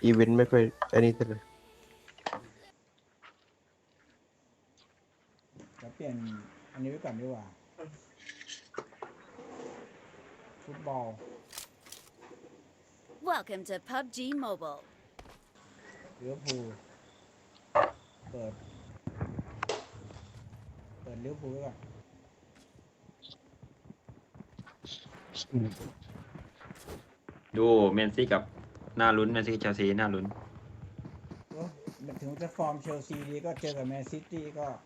อีเวนต์ไม่ค่อยอันนี้เท่าไหร่จะเปลี่ยนอันนี้ไว้ก่อนดีกว่าฟุตบอล Welcome to PUBG Mobile. ลิเวอร์พูลเปิดลิเวอร์พูลไว้ก่อนดูเมนซี่กับหน้าลุ้นเมนซี่เชลซีหน้าลุ้นโอ้ถึงจะฟอร์มเชลซีดีก็เจอกับแมนซิตี้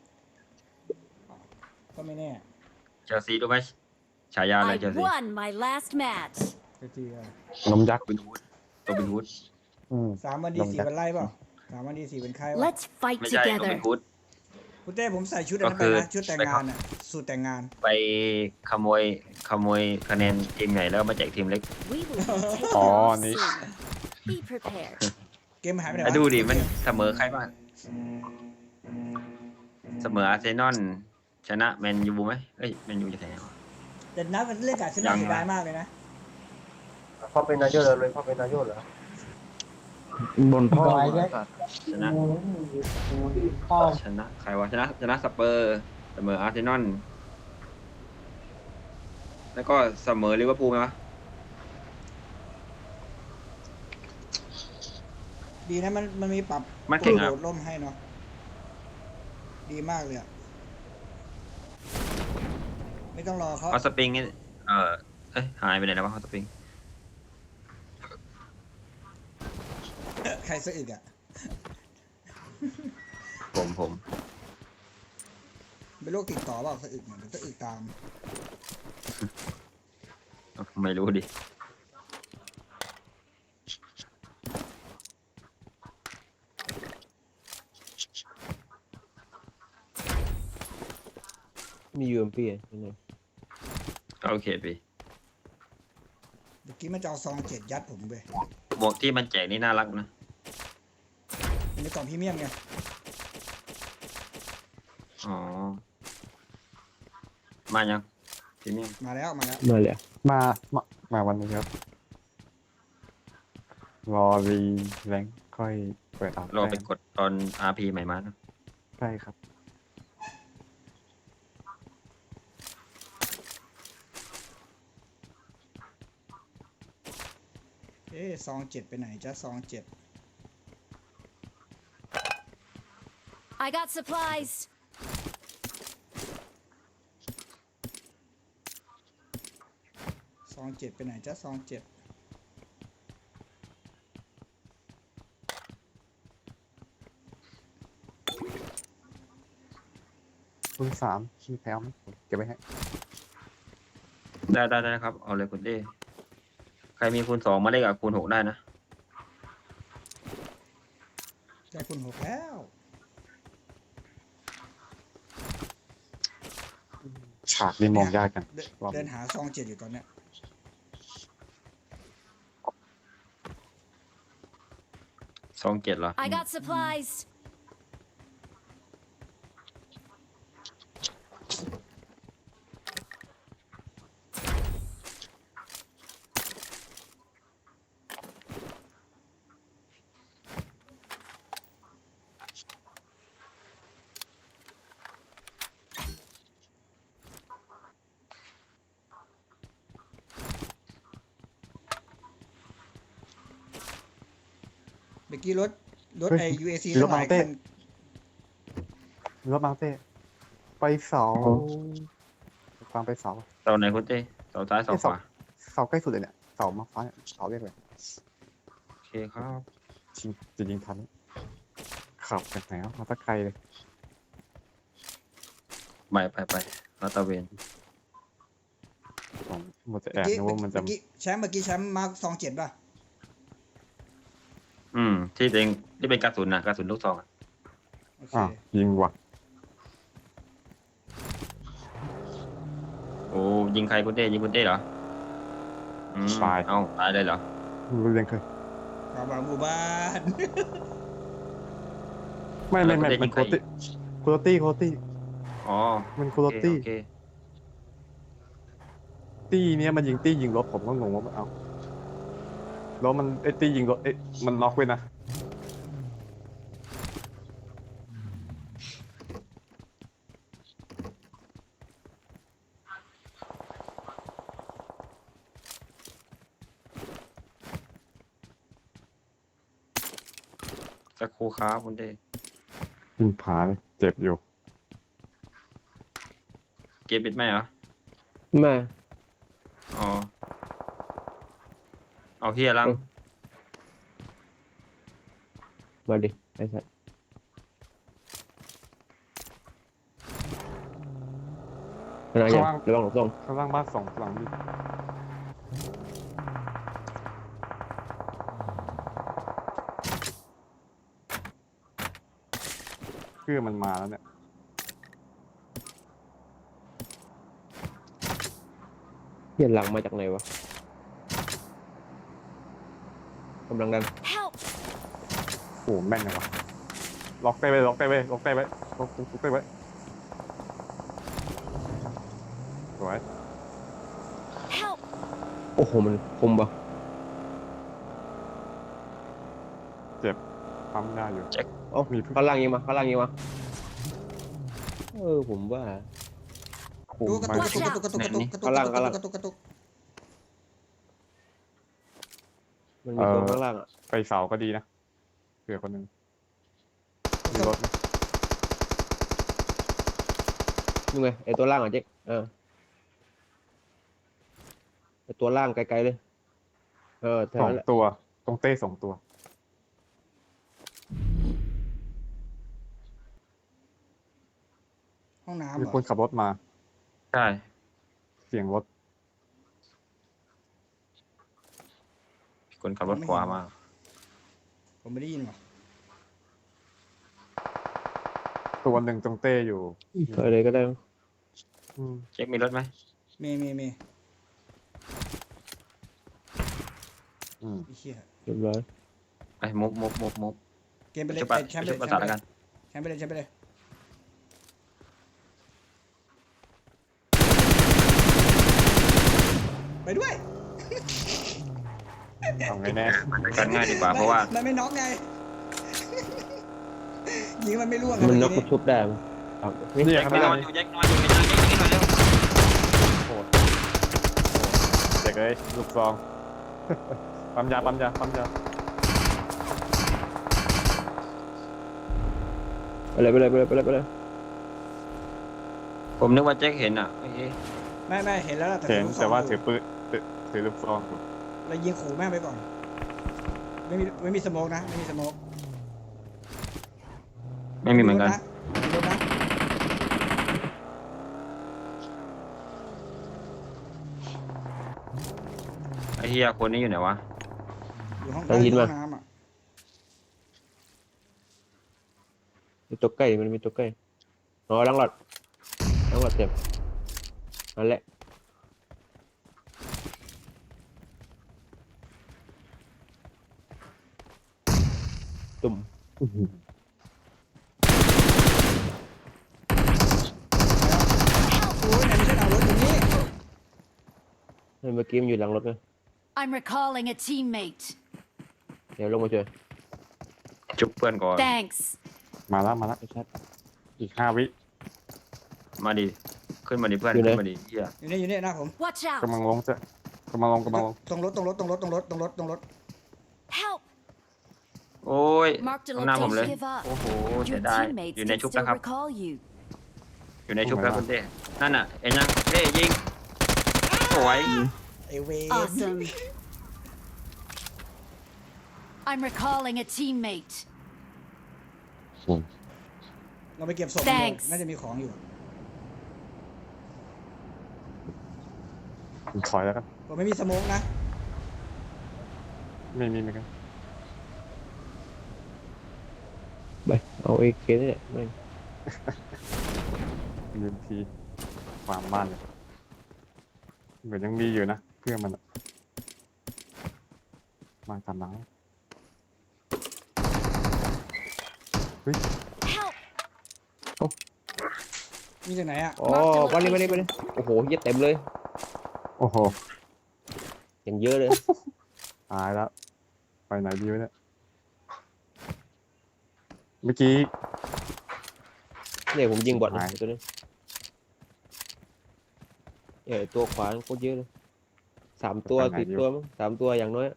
ก็ไม่แน่เชลซีรู้ไหมฉายาอะไร I เชลซี won my last match. เชลซีอะนมยักษ์เป็นฮูดตัวเป็นฮูด 3 วันดี 4 วันไล่เปล่า3 วันดี 4 วันไข้วะ Let's fight ไม่ใช่ตัวเป็ together. นฮูดคุณเต้ผมใส่ชุดอันนั้นไปก็คือนะชุดแต่งงานอ่ะสูตรแต่งงานไปขโมยคะแนนทีมใหญ่แล้วมาแจกทีมเล็ก We will be taking Oh, off นี่ soon. Be prepared. เกมมันหายไปไหนไปวะดูดิมันเสมอใครบ้างเสมออาร์เซนอลชนะแมนยูไหมเอ้ยแมนยูจะแพ้วะแต่นัดมันเล่นกับชนะยังเสียดายมากเลยนะพ่อเป็นนายกเลยพ่อเป็นนายกเหรอบนพ่อชนะชนะใครวะชนะสเปอร์เสมออาร์เซนอลแล้วก็เสมอลิเวอร์พูลไหมวะดีนะมันมีปรับมันเก่งอะโดดร่มให้เนาะดีมากเลยอ่ะไม่ต้องรอเขาฮอตสปริงนี่เอ้ยหายไปไหนแล้ววะฮอตสปริงใครสะอึกอ่ะผมเป็นโรคติดต่อเปล่าสะอึกเนี่ยเดี๋ยวสะอึกตามไม่รู้ดิมียูเอ็มพียังไงโอเคปีเมื่อกี้มันจะเอาซอง7ยัดผมไปหมวกที่มันแจกนี่น่ารักนะเป็นในกล่องพรีเมียมไงอ๋อ มายังพรีเมียมมาแล้วมาเลยมาวันนี้ครับรอรีแรงค่อยเปิดอัพรอไปกดตอน RP ใหม่มานะใช่ครับซอง7ไปไหนจ้าซอง7 I got supplies. ซอง7ไปไหนจ้าซอง7 คูณ3มีแถวไหมเก็บไว้ให้ได้นะครับ เอาเลยคุณเต้ใครมีคูณ2มาเล่นกับคูณ6ได้นะได้คุณ6แล้วฉากนี่มองยากกันเดินหาซอง7อยู่ตอนเนี้ย 27เหรอ I got supplies. เมื่อกี้รถไอ UAC รทั้ถงหมาลายเต้คันรถมาเต้ไปเสาฟังไปเสาเสาไหนคุณเต้เสาซ้ายเสาขวาเสาใกล้สุดเลยเนี่ยเสามาฟ้าเนี่ยเสาเรียกเลยโอเคครับจริงทันขับจากไหนมาตะไกลเลยไปลาดตระเวนผมหมดจะแอบนึกว่ามันจะเมื่อกี้แชมป์มาร์คซอง7ป่ะที่เองที่เป็นกระสุนนะกระสุนลูกซองอะโอเคยิงว่ะโอ้ยิงใครคุณเต้ยิงคุณเต้เหรอตายเลยเหรอรู้เรื่องเคยความหวังหมู่บ้านไม่มันโคตี้อ๋อมันโคโอเคตี้โอเคตี้เนี้ยมันยิงตี้ยิงรถผมก็งงว่าเอาแล้วมันไอ้ตียิงรถมันน็อกไว้นะสักครู่ครับคุณเต้ยิงผาเลยเจ็บอยู่เกมปิดไหมเหรอมาอ๋อเอาเฮียลังมาดิไอ้สัสขนาดยังระวังหลบซ่องข้างล่างบ้านสองหลังนี่เพื่อมันมาแล้วเนี่ยเหี้ยหลังมาจากไหนวะกำลังดัน Help! โอ้แม่นเลยวะล็อกได้ไว้ล็อกได้ไว้ล็อกได้ไว้ล็อกได้ไว้สวย Help! โอ้โหมันคมปะเจ็บปั๊มยาอยู่เอ้ามีเพิ่งข้างล่างยิงมาข้างล่างยิงมาผมว่าโอ้ดูกระไม่ตุกกระตุกกระตุกกระตุกกระตุกกระตุกกระตุกกระตุกมันมีตัวข้างล่างอ่ะไปเสาก็ดีนะเผื่อคนหนึ่งมีรถไหมนี่ไงไอ้ตัวล่างอ่ะเจ๊กไอ้ตัวล่างไกลๆเลยแถวสอนั้งนแหละตัวตรงเต้2 ตัวห้องน้ำมีเหรคนอขับรถมาใช่เสียงรถคนขับรถขวามาผมไม่ได้ยินหรอตัวหนึ่งตรงเต้อยู่ถอยเลยก็ได้มั้งอืมเช็คมีรถไหมมีอืมไอ้เหี้ยเรียบร้อยไปมุบเกมไปเลยชุบไปปะแชมป์ไปชุเลยบประสาทแล้วกันแชมป์ไปเลยแชมป์ไปเลยไปด้วยเอาไงแน่กันง่ายดีกว่าเพราะว่ามันไม่น็อกไง ยิงมันไม่ร่วงมันไงน็อกก็ชุบได้มั้งเอานี่เนี่ยแจ็คข้างไปหนน้าอนนี่อยู่แจ็คนอนอยู่ในนั้นเช็คหน่อยเร็วโหดเด็กเลยลูกซอง ปั๊มยาไปเลยผมนึกว่าแจ็คเห็นอ่ะโอเคไม่เห็นแล้วล่ะเห็นลูกซแต่องว่าอยู่ถือปืนถือลูกซองอยู่เรายิงขู่แม่งไปก่อน ไม่มีสโมกนะ ไม่มีสโมกไม่มีเหมือนกันมีรถนะไอ้เฮียคนนี้อยู่ไหนวะอยู่ห้องต้องยินมาน้ำอ่ะมีตัวใกล้มันมีตัวใกล้ล้างหลอดเต็มนั่นแหละตุ่มโอ้ยไหนไม่ใช่ดาวรถอยู่นี่เมื่อกี้มันอยู่หลังรถเลย I'm recalling a teammate. เดี๋ยวลงมาช่วยจุบเพื่อนก่อน Thanks. มาแล้วไอ้ชัดอีก5 วิมาดิขึ้นมาดิเพื่อนอยู่ไหนขึ้นมาดิเฮียอยู่นี่หน้าผม Watch กำลั out. งลงจะกำลังลงตรงรถ Help. โอ้ย Marked a ข้างหน้าผมเลย location. Give up. โอ้โหเสี Your ยดาย teammates อยู่ใน can ชุบ still แล้วครับ recall you. อยู่ในชุบแล้วคุณเต้นั่นน่ะเอ็นยังเต้ยิงสวยไอเว Awesome. I'm recalling a teammate. เราไปเก็บศพ Thanks น่าจะมีของอยู่ถอยแล้วกันผมไม่มีสโมกนะไม่กันไปเอาเอเคนี่แหละไม่ยืนทีความบ้านเลยเหมือนยังมีอยู่นะเพื่อนมันอะมาตามน้ Help. มีจากไหนอ่ะอ๋อมาดิโอ้โหเหี้ยเต็มเลยำโอ้โหอย่างเยอะเลยตายแล้วไปไหนดีวะเนี่ยเมื่อกี้เนี่ยผมยิงบอทนะหายตัวนี้ตัวขวาโคตรเยอะเลย3 ตัวไปไหน 4 ดีตัววะมั้ง3 ตัวอย่างน้อย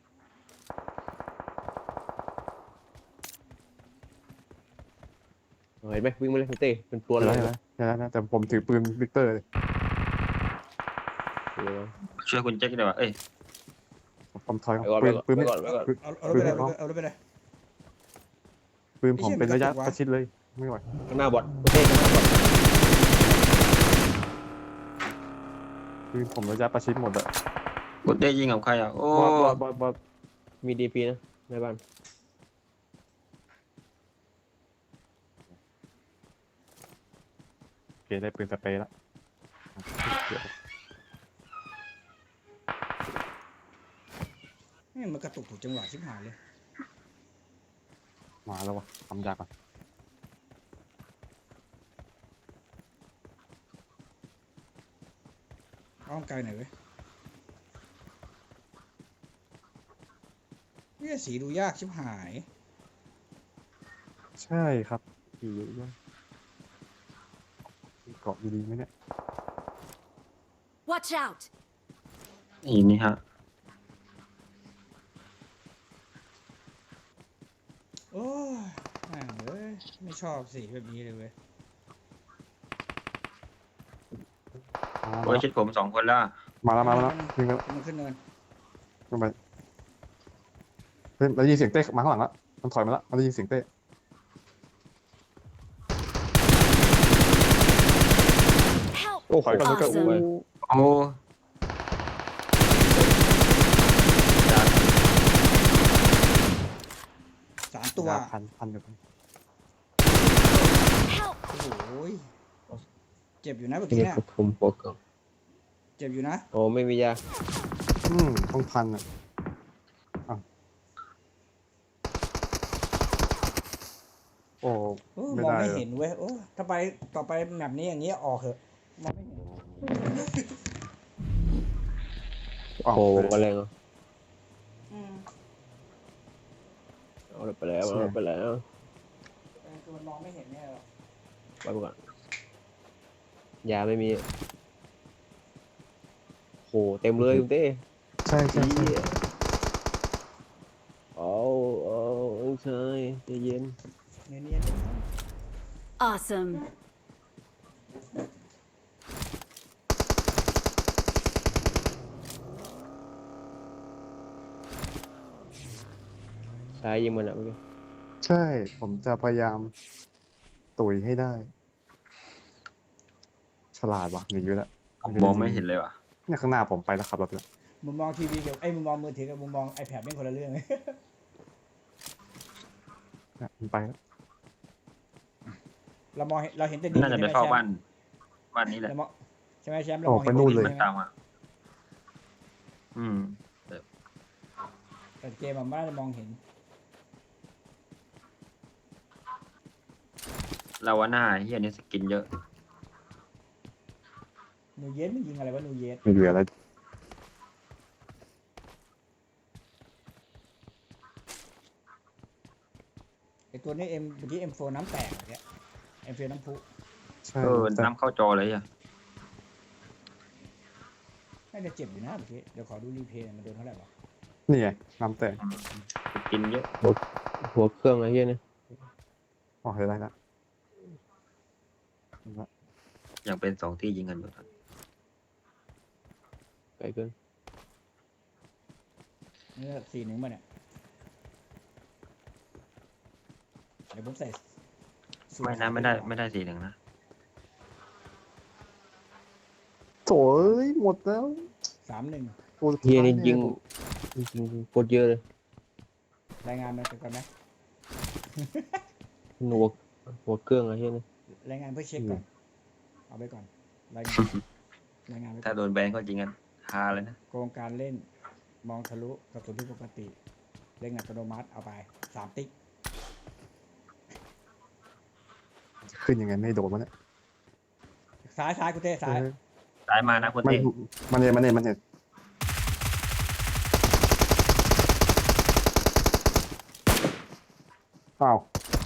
เห็นไหมวิ่งมาเลยคุณเต้เป็นตัวเดี๋ยวเลยนะเดี๋ยวนะแต่ผมถือปืนวิกเตอร์เลยช่วยคุณแจ็คได้ป่ะเอ้ยผมถอยไปก่อนปืนปืนไปไม่ก่อนไปก่อนเอารถไปเลยเอารถไปเลยปืนผมเป็นระยะไอ้เหี้ยมันกระตุกวะประชิดเลยไม่ไหวข้างหน้าบอทคุณเต้ข้างหน้าบอทปืนผมระยะประชิดหมดอะคุณเต้ยิงกับใครอ่ะโอ้บอสมีดีพีนะในบ้านโอเคได้ปืนสเปรย์แล้วนี่มันกระตุกถูกจังหวะชิบหายเลยมาแล้ววะทำยากก่อนอ้อมไกลหน่อยเว้ยเนี่ยสีดูยากชิบหายใช่ครับอยู่ด้วยเกาะดีๆไหมเนี่ย Watch out! นี่ฮะโอ้ยแม่งเอ้ยไม่ชอบสีแบบนี้เลยเว้ยโอ้ยชิดผม2 คนแล้วมาแล้ววิ่งแล้วมันขึ้นเนินขึ้นไปเฮ้ยเราได้ยินเสียงเต้มาข้างหลังแล้วมันถอยมาแล้วมันได้ยินเสียงเต้ Help! โอ้โหถอยก่อนแล้วก็ Awesome โอ้ 3 ตัวพันกับ Help! โอ้โหยเจ็บอยู่นะเมื่อนี่กี้เนี่ยผมบอกก่อนเจ็บอยู่นะโอ้ไม่มียาต้องพันอ่ะโอ้โอ้ไม่มองได้ไม่เลยเห็นเว้ยโอ้ถ้าไปต่อไปแบบนี้อย่างนี้ออกเถอะมองไม่เห็นออกโอ้ไปมาเลยแรงเหรออืมเอาไปแล้วเอาไปแล้วคือมันมองไม่เห็นเนี่ยหรอกไปก่อนยาไม่มีโหเต็มเลยคุณเต้ใช่ใช่เหี้ยเอาใช่ใจเย็นเนียน Awesome! ซ้ายยิงมันอ่ะเมื่อกี้ใช่ผมจะพยายามตุ๋ยให้ได้ ฉลาดว่ะหนีอยู่แล้วมองไม่เห็นเลยว่ะเนี่ยข้างหน้าผมไปแล้วขับรถไปแล้วๆมุมมองทีวีกับไอ้มุมมองมือถือกับมุมมอง iPad ไม่คนละเรื่องเนี่ยมันไปแล้วเรามองเห็นเราเห็นแต่ดินน่าจะไปใช่หมเข้าแชมป์บ้านนี้แหละเรามองใช่ไหมแชมป์เรามองเห็นแต่ดินใช่ไหมตามมาอืมแต่เกมมันไม่ได้มองเห็นเราว่าหน้าเฮียนี่สกินเยอะนูเยสมันยิงอะไรวะนูเยสไม่เหลืออะไรไอตัวนี้เมื่อกี้ M4 น้ำแตกเนี่ย M4 น้ำพุใช่น้ำเข้าจอเลยอ่ะน่าจะเจ็บอยู่นะเมื่อกี้เดี๋ยวขอดูรีเพลย์มันโดนเท่าไหร่วะนี่ไงน้ำแตกสกินเยอะหัวเครื่องอะไรเงี้ยเนี่ยออกได้แล้วอย่างเป็น2 ที่ยิงกันอยู่ตอนไกลเกินนี่4-1มาเนี่ยเดี๋ยวผมใส่สูตรไม่ได้4-1นะโถ่เอ้ยหมดแล้ว 3-1 ตัวสุดเฮียท้านี่ยิงเยยิงโคตรเยอะเลยรายงานมาก่อนไหมหัวเครื่องอะไรเงี้ยเนี่ยรายงานเพื่อเช็คก่อนเอาไปก่อนรายงานรายงานไปก่ถ้าอนโดนแบนก็จริงกันฮาเลยนะโครงการเล่นมองทะลุกระสุนที่ปกติเล่นอัตโนมัติเอาไป3 ติ๊กขึ้นยังไงไม่โดนมันเนี่ยซ้ายกูเต้ซ้ายตายมานะคุณมันเต้มันเห็นเปล่า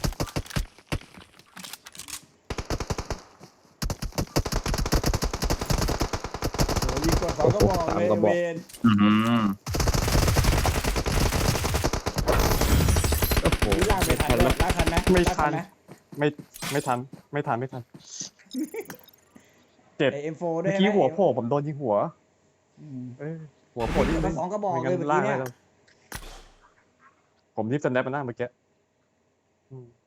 โอ้ยิงกด2 กระบอกสามเลยกระบอกเวนอืมโอ้โหนี่ลากไม่ทันเลยลากทันไหมไม่ลากทันไหมไม่ทันเจ็บไอ M4 ด้วเมื่ยอกี้นะหัวโผล่ผมโดนยิงหัวอืมหัวโผล่นิดนึงสองกระบอกไม่งั้นเลยเมื่อกี้ลากเนี่ยได้แล้วผมรีบสแนปมาหน้าเมื่อกี้อืม